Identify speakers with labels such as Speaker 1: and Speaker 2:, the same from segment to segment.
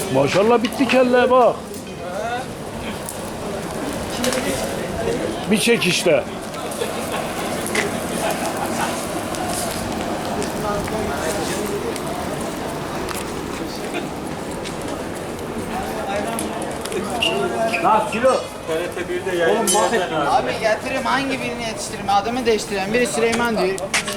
Speaker 1: Maşallah bitti kelle bak. Bir çekişte.
Speaker 2: Lan kilo. TRT 1'de yayın. Oğlum mahvettin.
Speaker 3: Abi getireyim hangi birini yetiştireyim? Adımı değiştireyim. Biri Süleyman diyor.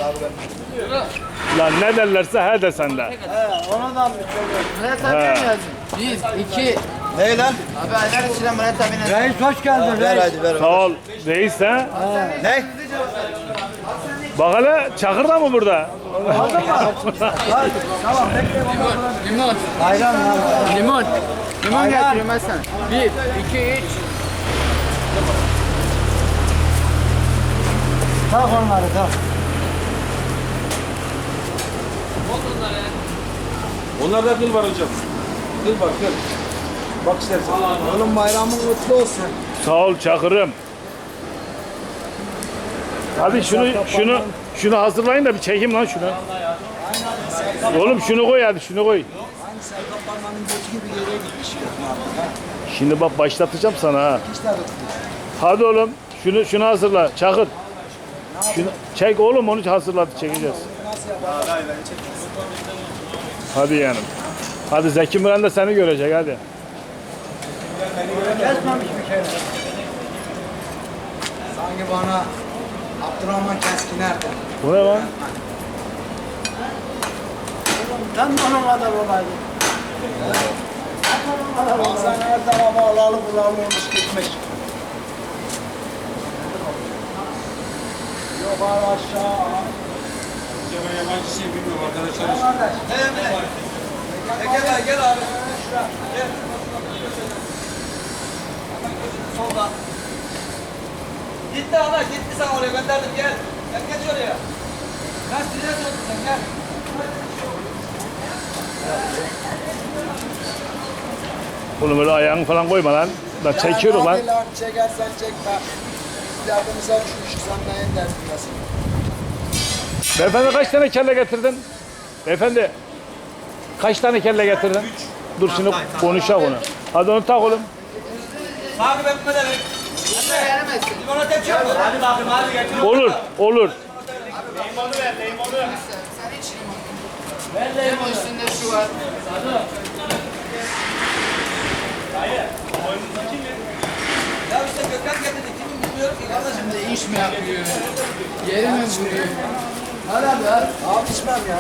Speaker 1: Lan ne derlerse he de sende.
Speaker 3: Ona da mı söylüyorsun? Murat abi mi yazdın? 1, 2.
Speaker 2: Ne lan?
Speaker 3: Abi aylar içinde Murat abinin.
Speaker 2: Reis hoş geldin. Ver hadi ver.
Speaker 1: Sağ ol reis ha.
Speaker 2: Ne?
Speaker 1: Bak hele Çakır da mı burada?
Speaker 2: Tamam bekle baba.
Speaker 3: Limon.
Speaker 2: Ayran lan.
Speaker 3: Limon. Limon getiriyorum ben sana. 1, 2, 3.
Speaker 2: Tak onları tak.
Speaker 4: Onlarda kıl var hocam. Kıl var kıl. Bak istersen.
Speaker 2: Oğlum bayramın kutlu olsun.
Speaker 1: Sağ ol Çakır'ım. Hadi şunu hazırlayın da bir çekeyim lan şunu. Oğlum şunu koy hadi şunu koy.
Speaker 2: Aynı Serkan Parmağı'nın götü gibi geriye gitmiş.
Speaker 1: Şimdi bak başlatacağım sana ha.
Speaker 2: İşte tutmuş.
Speaker 1: Hadi oğlum şunu hazırla Çakır. Şunu çek oğlum onu hazırladı çekeceğiz.
Speaker 2: Nasıl yapar?
Speaker 1: Hadi yanım. Hadi Zeki Müren de seni görecek hadi.
Speaker 2: Kesmemiş bir kere. Sanki bana Abdurrahman Keskin nerede?
Speaker 1: Bu ne lan?
Speaker 2: Ben onun kadar olaydım. Bazen her tarafa alalı bulalı olmuş gitmiş. Yukarı aşağı.
Speaker 4: Ben yabancı şey bilmiyorum arkadaşlar.
Speaker 2: Gel abi. Gel.
Speaker 5: Solda. Gitti ana gitti sana oraya gönderdim gel. Gel geç oraya. Ben size sordum sen gel.
Speaker 1: Oğlum öyle ayağını falan koyma lan. Da çekiyoruz lan.
Speaker 2: Hadi lan çekersen çekme. Derdimize düşmüş sen neyin derdindesin?
Speaker 1: Beyefendi kaç tane kelle getirdin? Beyefendi kaç tane kelle getirdin? Dur şimdi konuşalım onu. Hadi onu tak oğlum.
Speaker 5: Abi ben bu kadar.
Speaker 3: Veremezsin.
Speaker 5: Limona tepki yapma. Hadi bakayım hadi getir.
Speaker 1: Olur, olur.
Speaker 3: Sen hiç limon. Ver limon üstünde şu var.
Speaker 5: Ya işte Gökhan getirdi. Kimin bilmiyorum ki kardeşim.
Speaker 3: Şimdi iş mi yapıyor? Yeri mi vuruyor? Hadi abi hadi.
Speaker 2: Abi içmem ya.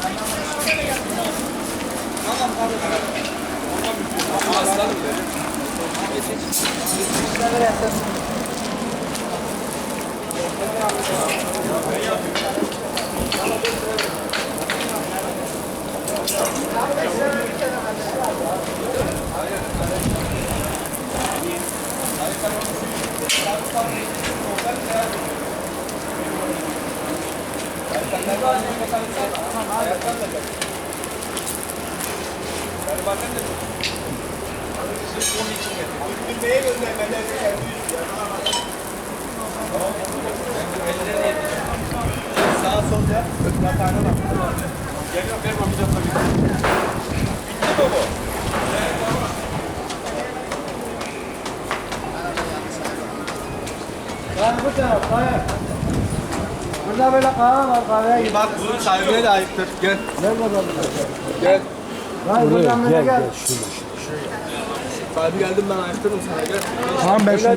Speaker 2: Ben bu taraf hayır. Burada böyle kahve var kahveye git.
Speaker 4: Bak bunun sahibine de ayıptır. Gel.
Speaker 2: Gel bakalım.
Speaker 4: Gel.
Speaker 2: Hayır buradan böyle gel.
Speaker 4: Sahibi geldim ben ayıptırım sana gel.
Speaker 2: Tamam ben